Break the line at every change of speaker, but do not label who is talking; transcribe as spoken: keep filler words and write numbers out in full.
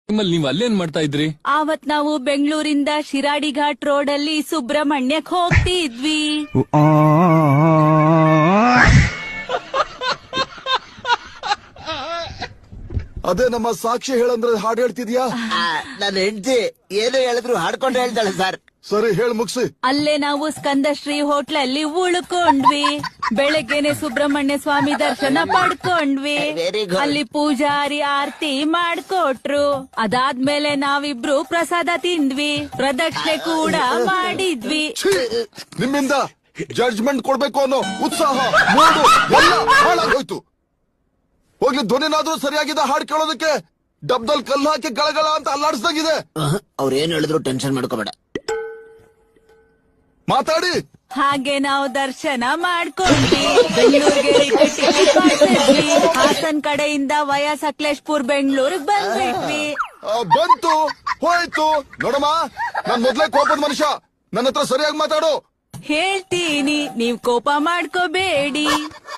ನೀವ್ ಅಲ್ಲೇನ್ ಮಾಡ್ತಾ ಇದ್ರಿ?
ಆವತ್ ನಾವು ಬೆಂಗಳೂರಿಂದ ಶಿರಾಡಿ ಘಾಟ್ ರೋಡ್ ಅಲ್ಲಿ ಸುಬ್ರಹ್ಮಣ್ಯಕ್ ಹೋಗ್ತಿದ್ವಿ.
ಅದೇ ನಮ್ಮ ಸಾಕ್ಷಿ ಹೇಳಂದ್ರೆ ಹಾಡು ಹೇಳ್ತಿದ್ಯಾ?
ನನ್ನ ಹೆಂಡತಿ ಏನು ಹೇಳಿದ್ರು ಹಾಡ್ಕೊಂಡು ಹೇಳ್ತಾಳೆ ಸರ್.
ಸರಿ ಹೇಳ್ ಮುಗ್ಸಿ.
ಅಲ್ಲೇ ನಾವು ಸ್ಕಂದಶ್ರೀ ಹೋಟ್ಲಲ್ಲಿ ಉಳ್ಕೊಂಡ್ವಿ. ಬೆಳಗ್ಗೆನೆ ಸುಬ್ರಹ್ಮಣ್ಯ ಸ್ವಾಮಿ ದರ್ಶನ ಪಡ್ಕೊಂಡ್ವಿ.
Very good.
ಅಲ್ಲಿ ಪೂಜಾರಿ ಆರತಿ ಮಾಡ್ಕೊಟ್ರು. ಅದಾದ್ಮೇಲೆ ನಾವಿಬ್ರು ಪ್ರಸಾದ ತಿಂದ್ವಿ. ಪ್ರದಕ್ಷಿಣೆ ಕೂಡ ಮಾಡಿದ್ವಿ.
ಛೀ! ನಿಮ್ಮಿಂದ ಜಡ್ಜ್ಮೆಂಟ್ ಕೊಡ್ಬೇಕು ಅನ್ನೋ ಉತ್ಸಾಹ ಮೂಡು ಎಲ್ಲ ಹಾಳಾಗೋಯ್ತು. ಹೋಗ್ಲಿ, ಧ್ವನಿನಾದ್ರೂ ಸರಿಯಾಗಿದೆ ಹಾಡ್ ಕೇಳೋದಕ್ಕೆ. ಡಬ್ದಲ್ಲಿ ಕಲ್ಲು ಹಾಕಿ ಗಳಗಳ ಅಂತ ಅಲ್ಲಾಡ್ಸ್ದಂಗಿದೆ.
ಅವ್ರ ಏನ್ ಹೇಳಿದ್ರು ಟೆನ್ಷನ್ ಮಾಡ್ಕೋಬೇಡ,
ಮಾತಾಡಿ.
ಹಾಗೆ ನಾವು ದರ್ಶನ ಮಾಡ್ಕೊಂಡ್ವಿ. ಬೆಂಗಳೂರಿಗೆ ಟಿಕೆಟ್ ಮಾಡ್ತಿದ್ವಿ. ಹಾಸನ್ ಕಡೆಯಿಂದ ವಯಾ ಸಕಲೇಶ್ಪುರ್ ಬೆಂಗಳೂರಿಗೆ ಬಂದ್ಬಿಟ್ವಿ.
ಆ, ಬಂತು ಹೋಯ್ತು. ನೋಡಮ್ಮ, ನಾನ್ ಮೊದ್ಲೇ ಕೋಪದ ಮನುಷ್ಯ, ನನ್ನ ಹತ್ರ ಸರಿಯಾಗಿ ಮಾತಾಡು.
ಹೇಳ್ತೀನಿ, ನೀವ್ ಕೋಪ ಮಾಡ್ಕೋಬೇಡಿ.